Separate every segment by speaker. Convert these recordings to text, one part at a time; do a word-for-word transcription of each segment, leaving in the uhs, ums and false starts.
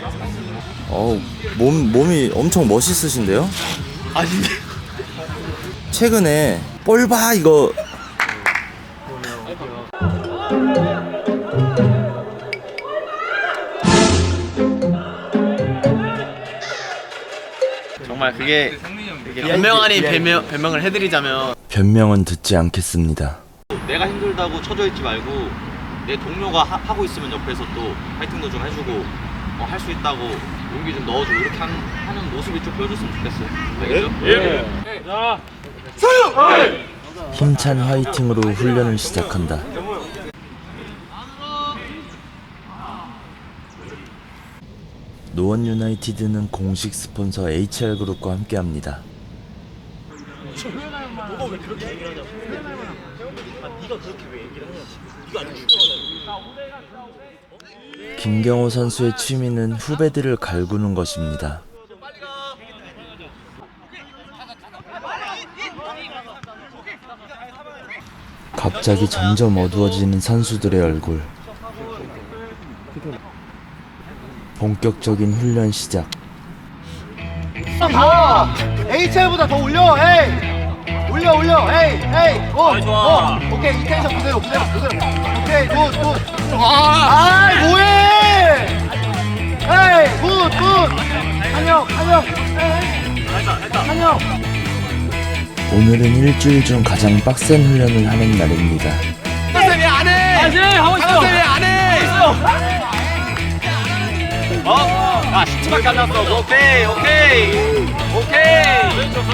Speaker 1: 어우, 몸, 몸이 엄청 멋있으신데요?
Speaker 2: 아닌데.
Speaker 1: 최근에 볼봐 이거
Speaker 2: 정말 그게 변명 아닌 변명, 변명을 해드리자면
Speaker 1: 변명은 듣지 않겠습니다.
Speaker 2: 내가 힘들다고 쳐져 있지 말고 내 동료가 하, 하고 있으면 옆에서 또 파이팅도 좀 해주고 어, 할 수 있다고 용기 좀 넣어주고 이렇게 하는, 하는 모습이 좀 보여줬으면 좋겠어요. 알겠죠? 예. 자,
Speaker 1: 힘찬 화이팅으로 훈련을 시작한다. 노원 유나이티드는 공식 스폰서 에이치알그룹과 함께합니다.
Speaker 2: 너가 왜 그렇게 얘기를 하냐고. 아, 네가 그렇게 왜 얘기를 하냐고. 이거 안
Speaker 1: 김경호 선수의 취미는 후배들을 갈구는 것입니다. 갑자기 점점 어두워지는 선수들의 얼굴. 본격적인 훈련 시작.
Speaker 3: 더! 에이치알보다 더 올려! 에이! 올려 올려! 에이! 에이! 오! 오! 오케이 이 텐션 그대로 그대로 그대로 오케이 굿 굿! 아이 뭐해! 에이 굿 굿! 한영 한영! 에이! 한영!
Speaker 1: 오늘은 일주일 중 가장 빡센 훈련을 하는 날입니다.
Speaker 2: 선생님 안 해! 안 해! 하고 있어! 선생님 안 해! 어? 야 십칠밖에 안 남았어. 오케이 오케이 오케이.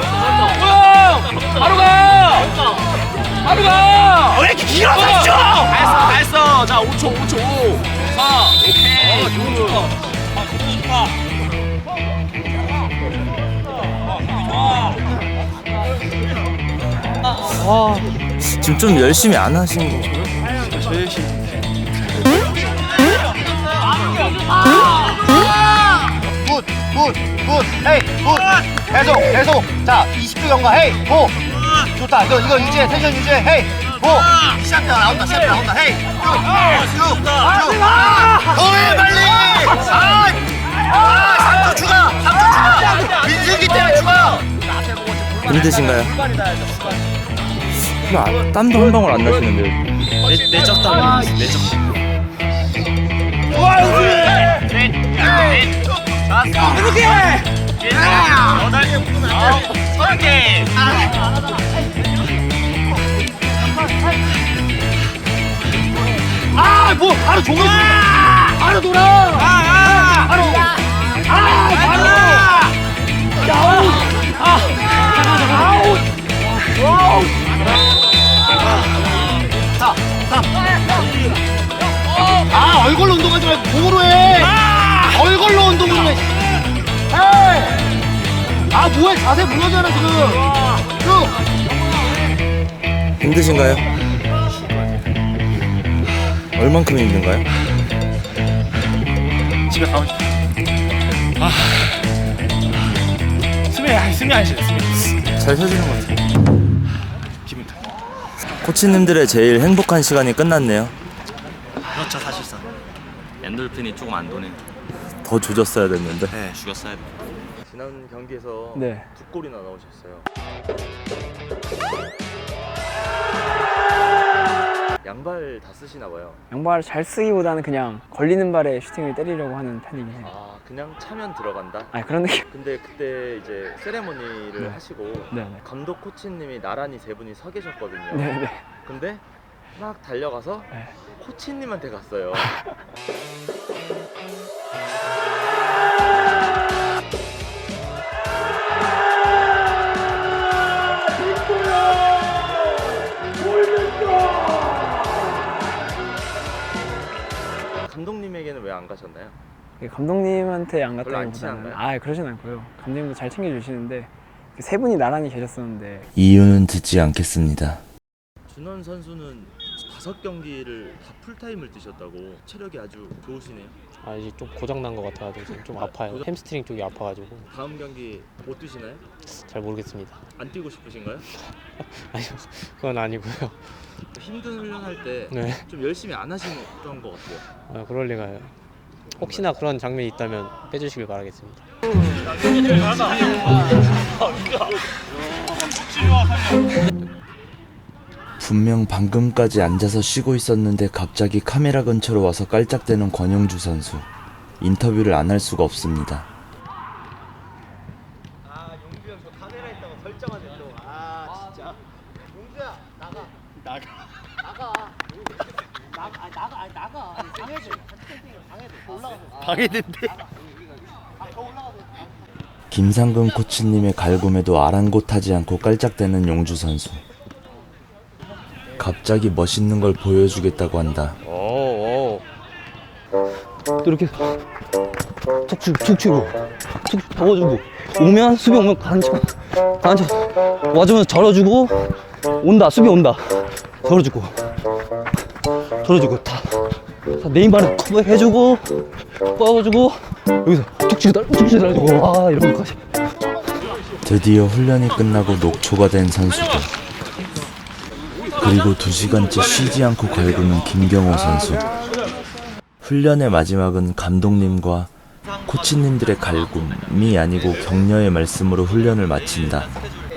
Speaker 2: 바로 가! 바로 가! 왜 이렇게 길어 삼 초! 다 했어 다 했어. 자 오 초 오 초 오 사 오케이 굿.
Speaker 1: 아, 지금 좀 열심히 안 하신 거.
Speaker 2: 저 열심히.
Speaker 3: 굿! 굿! 굿! 헤이! 굿! 계속 계속! 자 이십 초 경과 헤이! 고! 좋다 이거 이거 유지해 텐션 유지해 헤이! 고! 시작다 나온다 시작다 나온다 헤이! 쭉! 쭉! 쭉! 더해 빨리! 아! 아! 삼 초 추가! 삼 초 추가! 민승기 때문에 추가!
Speaker 1: 힘드신가요? 아, 땀도 한 방울 안 나시는데요.
Speaker 2: 내 내적 땀 내적.
Speaker 3: 좋아 우승!
Speaker 2: 이렇게! 여덟 개 묶으면 안 돼. 서른 개!
Speaker 3: 아! 뭐 바로 종료! 바로 돌아! 바로! 아! 바로! 아웃! 아웃! 아웃! 자, 삼. 아, 얼굴로 운동하지 말고 몸으로 해. 얼굴로 운동을 해. 헤이! 아, 뭐해? 자세 무너져라 지금. 쭉.
Speaker 1: 힘드신가요? 얼만큼 힘든가요?
Speaker 2: 집에 가고 싶어. 아. 숨이 아, 숨이 안 쉬어. 숨이.
Speaker 1: 잘 쉬어지는 것 같아요.
Speaker 2: 기분 탓.
Speaker 1: 코치님들의 제일 행복한 시간이 끝났네요.
Speaker 2: 그렇죠 사실상. 엔돌핀이 조금 안 도네.
Speaker 1: 더 조졌어야 됐는데.
Speaker 2: 네 죽였어야 돼.
Speaker 1: 지난 경기에서
Speaker 4: 네.
Speaker 1: 두 골이나 넣으셨어요. 양발 다 쓰시나 봐요.
Speaker 4: 양발 잘 쓰기보다는 그냥 걸리는 발에 슈팅을 때리려고 하는 편이긴 해요.
Speaker 1: 아, 그냥 차면 들어간다.
Speaker 4: 아니 그런 느낌.
Speaker 1: 근데 그때 이제 세레모니를
Speaker 4: 네.
Speaker 1: 하시고
Speaker 4: 네네.
Speaker 1: 감독 코치님이 나란히 세 분이 서 계셨거든요.
Speaker 4: 네네.
Speaker 1: 근데 막 달려가서
Speaker 4: 네.
Speaker 1: 코치님한테 갔어요. 감독님에게는 왜 안 가셨나요?
Speaker 4: 감독님한테 안
Speaker 1: 별로 안
Speaker 4: 갔다기보다는
Speaker 1: 친한가요?
Speaker 4: 아 그러진 않고요. 감독님도 잘 챙겨주시는데 세 분이 나란히 계셨었는데
Speaker 1: 이유는 듣지 않겠습니다. 준원 선수는 다섯 경기를 다 풀타임을 뛰셨다고. 체력이 아주 좋으시네요.
Speaker 5: 아 이제 좀 고장 난 것 같아가지고 지금 좀 아파요.
Speaker 1: 고장-
Speaker 5: 햄스트링 쪽이 아파가지고
Speaker 1: 다음 경기 못 뛰시나요?
Speaker 5: 잘 모르겠습니다.
Speaker 1: 안 뛰고 싶으신가요?
Speaker 5: 아니요 그건 아니고요.
Speaker 1: 힘든 훈련할 때 좀
Speaker 5: 네.
Speaker 1: 열심히 안 하시는 것 같아요.
Speaker 5: 아 그럴 리가요. 혹시나 그런 장면이 있다면 빼주시길 바라겠습니다.
Speaker 1: 분명 방금까지 앉아서 쉬고 있었는데 갑자기 카메라 근처로 와서 깔짝대는 권영주 선수. 인터뷰를 안 할 수가 없습니다.
Speaker 3: 아 용주 형 저 카메라 있다고 설정하네 또. 아 진짜. 용주야 나가. 나가. 나가. 나가. 아 나가. 아 나가. 방해돼. 방해돼. 올라가서. 방해된대. 아 더 올라가서.
Speaker 1: 김상근 코치님의 갈굼에도 아랑곳하지 않고 깔짝대는 용주 선수. 갑자기 멋있는 걸 보여주겠다고 한다.
Speaker 5: 오, 오.
Speaker 6: 또 이렇게 툭 치고 툭 치고 툭 잡아주고 오면 수비 오면 간쳐 간쳐 와주면서 절어주고 온다 수비 온다 절어주고 절어주고 다, 다 네임바를 커버해주고 뻗어주고 여기서 툭 치고 달 툭 치고 달고 와 이런 것까지.
Speaker 1: 드디어 훈련이 끝나고 녹초가 된 선수들. 그리고 두 시간째 쉬지 않고 갈구는 김경호 선수. 훈련의 마지막은 감독님과 코치님들의 갈굼이 아니고 격려의 말씀으로 훈련을 마친다.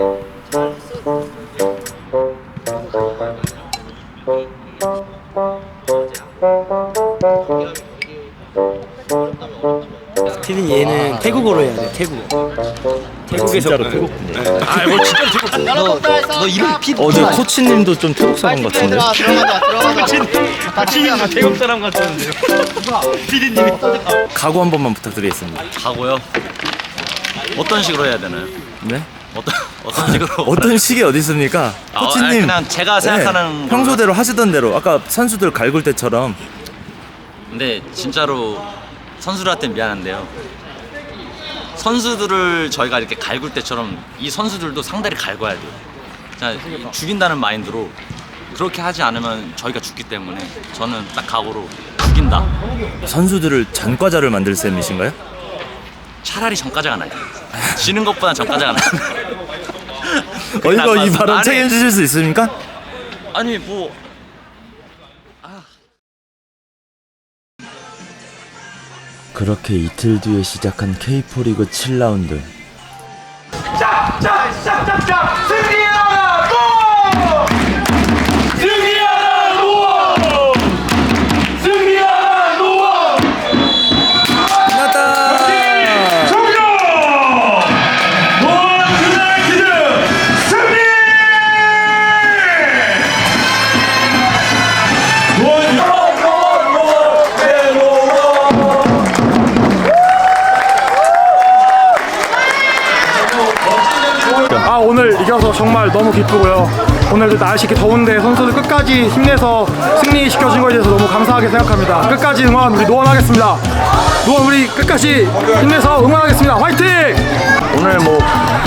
Speaker 7: 티는 얘는 태국어로 해야 돼. 태국어. 태국에서 진짜로 태국. 아뭐 진짜로 태국. 너, 너 이름 피.
Speaker 1: 어제 코치님도 좀 태국 사람 같은데.
Speaker 3: 들어가 들어가자 들어가자.
Speaker 7: 지금 태국 사람 같았는데요. 피디님이.
Speaker 1: 각오 한 번만 부탁드리겠습니다.
Speaker 2: 하고요. 어떤 식으로 해야 되나요?
Speaker 1: 네?
Speaker 2: 어떤 어떤 식으로?
Speaker 1: 어떤 식이 어디 있습니까?
Speaker 2: 아,
Speaker 1: 코치님
Speaker 2: 아니, 그냥 제가 생각하는
Speaker 1: 네, 평소대로 하시던 대로 아까 선수들 갈굴 때처럼.
Speaker 2: 근데 진짜로 선수들한테 미안한데요. 선수들을 저희가 이렇게 갈굴 때처럼 이 선수들도 상대를 갈궈야 돼요. 자, 죽인다는 마인드로 그렇게 하지 않으면 저희가 죽기 때문에 저는 딱 각오로 죽인다.
Speaker 1: 선수들을 전과자를 만들 셈이신가요?
Speaker 2: 차라리 전과자가 나요. 지는 것보다 전과자가 나요.
Speaker 1: 어, 이거 이 발언
Speaker 2: 아니,
Speaker 1: 책임지실 수 있습니까?
Speaker 2: 아니 뭐
Speaker 1: 그렇게 이틀 뒤에 시작한 케이포 리그 칠 라운드.
Speaker 8: 아 오늘 이겨서 정말 너무 기쁘고요. 오늘도 날씨 이렇게 더운데 선수들 끝까지 힘내서 승리시켜준 거에 대해서 너무 감사하게 생각합니다. 끝까지 응원 우리 노원하겠습니다. 노원 우리 끝까지 힘내서 응원하겠습니다. 화이팅!
Speaker 6: 오늘 뭐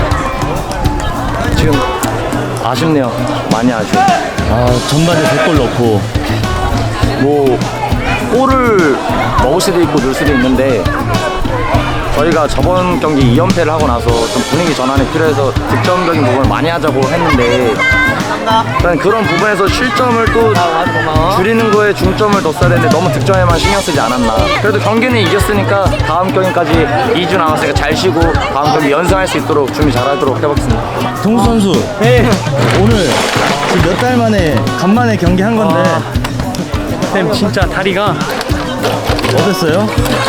Speaker 6: 지금 아쉽네요. 많이 아쉬워.
Speaker 1: 아, 전반에 백 골 넣고
Speaker 6: 뭐 골을 먹을 수도 있고 넣을 수도 있는데 저희가 저번 경기 이 연패를 하고 나서 좀 분위기 전환이 필요해서 득점적인 부분을 많이 하자고 했는데 일단 그런 부분에서 실점을 또 줄이는 거에 중점을 뒀어야 되는데 너무 득점에만 신경 쓰지 않았나. 그래도 경기는 이겼으니까 다음 경기까지 이 주 남았으니까 잘 쉬고 다음 경기 연승할 수 있도록 준비 잘하도록 해보겠습니다.
Speaker 1: 동수 선수,
Speaker 6: 네.
Speaker 1: 오늘 몇 달 만에 간만에 경기 한 건데
Speaker 8: 쌤 진짜 다리가
Speaker 1: 어땠어요?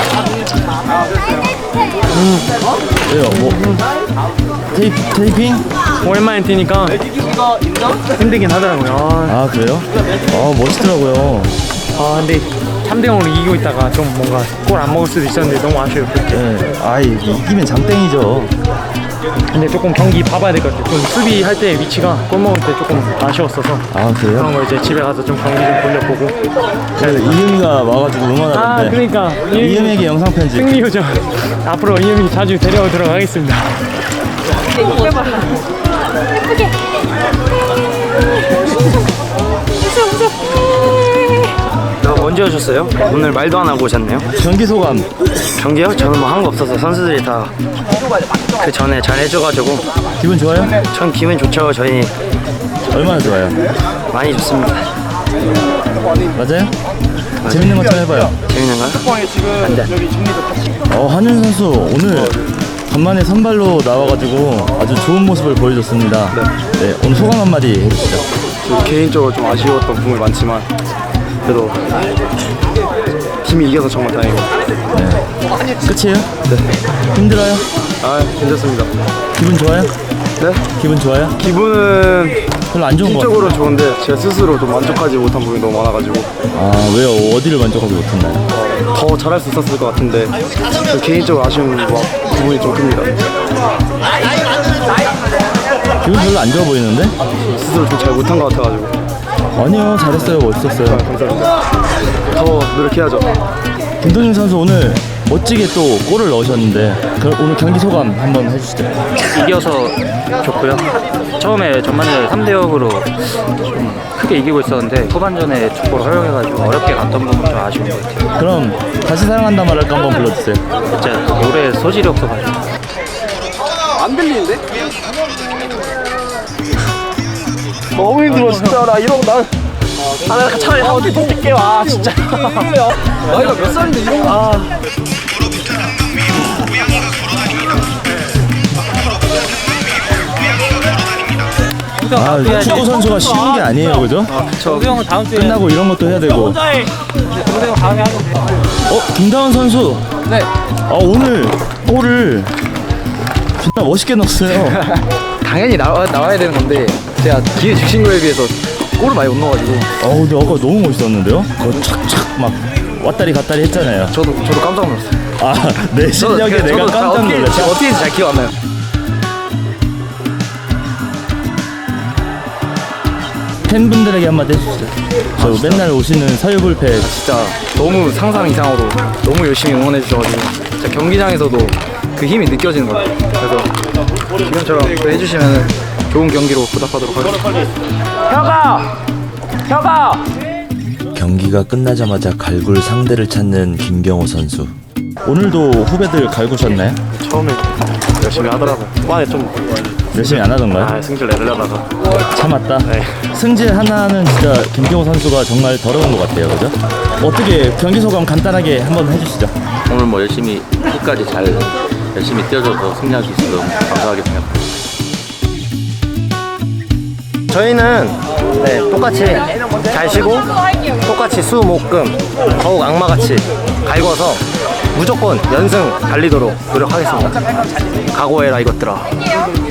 Speaker 1: 왜요? 뭐 테이프, 테이핑?
Speaker 8: 오랜만에 뛰니까 힘들긴 하더라고요.
Speaker 1: 아, 그래요? 아, 멋있더라고요.
Speaker 8: 아 근데 삼 대 영으로 이기고 있다가 좀 뭔가 골 안 먹을 수도 있었는데 너무 아쉬워요.
Speaker 1: 네, 아이 이기면 장땡이죠.
Speaker 8: 근데 조금 경기 봐봐야 될 것 같아요. 좀 수비할 때 위치가 골 먹을 때 조금 아쉬웠어서
Speaker 1: 아, 그래요?
Speaker 8: 그런 거 이제 집에 가서 좀 경기 좀 돌려보고.
Speaker 1: 이은이가 와가지고
Speaker 8: 아
Speaker 1: 응원하는데
Speaker 8: 그러니까
Speaker 1: 이은에게 영상 편지.
Speaker 8: 승리 요정 앞으로 이은이 자주 데려오도록 하겠습니다.
Speaker 6: 언제 오셨어요? 오늘 말도 안 하고 오셨네요.
Speaker 1: 경기 소감.
Speaker 6: 경기요? 저는 뭐 한 거 없어서 선수들이 다 그 전에 잘 해줘가지고
Speaker 1: 기분 좋아요?
Speaker 6: 전 기분 좋죠. 저희
Speaker 1: 얼마나 좋아요?
Speaker 6: 많이 좋습니다.
Speaker 1: 맞아요? 재밌는 것 좀 해봐요.
Speaker 6: 재밌는 거야?
Speaker 1: 어, 한윤 선수 오늘 간만에 선발로 나와가지고 아주 좋은 모습을 보여줬습니다. 네, 오늘 소감 한마디 해주시죠.
Speaker 8: 개인적으로 좀 아쉬웠던 부분이 많지만 그래도 팀이 이겨서 정말 다행이고.
Speaker 1: 끝이에요? 네. 힘들어요?
Speaker 8: 아, 괜찮습니다.
Speaker 1: 기분 좋아요?
Speaker 8: 네?
Speaker 1: 기분 좋아요?
Speaker 8: 기분은
Speaker 1: 별로 안 좋은 것
Speaker 8: 팀적으로
Speaker 1: 같아요.
Speaker 8: 좋은데 제가 스스로 좀 만족하지 못한 부분이 너무 많아가지고
Speaker 1: 아, 왜요? 어디를 만족하지 못했나요?
Speaker 8: 더 잘할 수 있었을 것 같은데 개인적으로 아쉬운 부분이 좀 큽니다.
Speaker 1: 기분 별로 안 좋아 보이는데?
Speaker 8: 스스로 좀 잘 못한 것 같아가지고.
Speaker 1: 아니요, 잘했어요. 멋있었어요.
Speaker 8: 감사합니다. 더 노력해야죠.
Speaker 1: 김동윤 선수 오늘 멋지게 또 골을 넣으셨는데 그 오늘 경기 소감 한번 해주시죠.
Speaker 9: 이겨서 좋고요. 처음에 전반전에 삼 대 영으로 좀 크게 이기고 있었는데 후반전에 축구를 허용해가지고 어렵게 갔던 부분 좀 아쉬운 것 같아요.
Speaker 1: 그럼 다시 사랑한다 말할까 한번 불러주세요.
Speaker 9: 진짜 노래 소질이 없어가지고.
Speaker 4: 안 들리는데?
Speaker 8: 너무 힘들어 진짜. 나 이런 난.
Speaker 4: 아, 나 차라리 한 번에 뽑을게요. 아, 진짜. 나이가 몇 살인데 이런 거. 아.
Speaker 1: 아, 축구 선수가 쉬운 게 아니에요, 그죠?
Speaker 9: 정우 형은 다음 주에
Speaker 1: 끝나고 이런 것도 해야 되고.
Speaker 9: 정우 형 다음에 하면 돼.
Speaker 1: 어, 김다원 선수.
Speaker 4: 네.
Speaker 1: 아, 오늘 골을 진짜 멋있게 넣었어요.
Speaker 4: 당연히 나와, 나와야 되는 건데 제가 기회 주신 거에 비해서 골을 많이 못 넣어가지고
Speaker 1: 어, 근데 아까 너무 멋있었는데요? 그거 착착 막 왔다리 갔다리 했잖아요.
Speaker 4: 저도 저도 깜짝 놀랐어요.
Speaker 1: 아, 내 실력에
Speaker 4: 저도-
Speaker 1: 내가
Speaker 4: 저도
Speaker 1: 깜짝
Speaker 4: 어떻게-
Speaker 1: 놀랐죠.
Speaker 4: 제가 어떻게 했는지 잘 기억 안 나요.
Speaker 1: 팬분들에게 한마디 해주시죠. 저 맨날 오시는 서유불패
Speaker 4: 진짜 너무 상상 이상으로 너무 열심히 응원해 주셔가지고 진짜 경기장에서도 그 힘이 느껴지는 것 같아요. 그래서 지금처럼 또 해주시면 좋은 경기로 보답하도록 하겠습니다. 혁아! 혁아!
Speaker 1: 경기가 끝나자마자 갈굴 상대를 찾는 김경호 선수. 오늘도 후배들 갈구셨나요?
Speaker 8: 처음에 열심히 하더라고요. 후반에 좀
Speaker 1: 열심히 안 하던가요?
Speaker 8: 아, 승질 내려다가.
Speaker 1: 참았다.
Speaker 8: 네.
Speaker 1: 승재 하나는 진짜 김경호 선수가 정말 더러운 것 같아요, 그죠? 어떻게 경기 소감 간단하게 한번 해주시죠.
Speaker 6: 오늘 뭐 열심히 끝까지 잘 열심히 뛰어줘서 승리할 수 있어서 너무 감사하게 생각합니다.
Speaker 3: 저희는 네, 똑같이 잘 쉬고 똑같이 수, 목, 금 더욱 악마같이 갈궈서 무조건 연승 달리도록 노력하겠습니다. 각오해라 이것들아.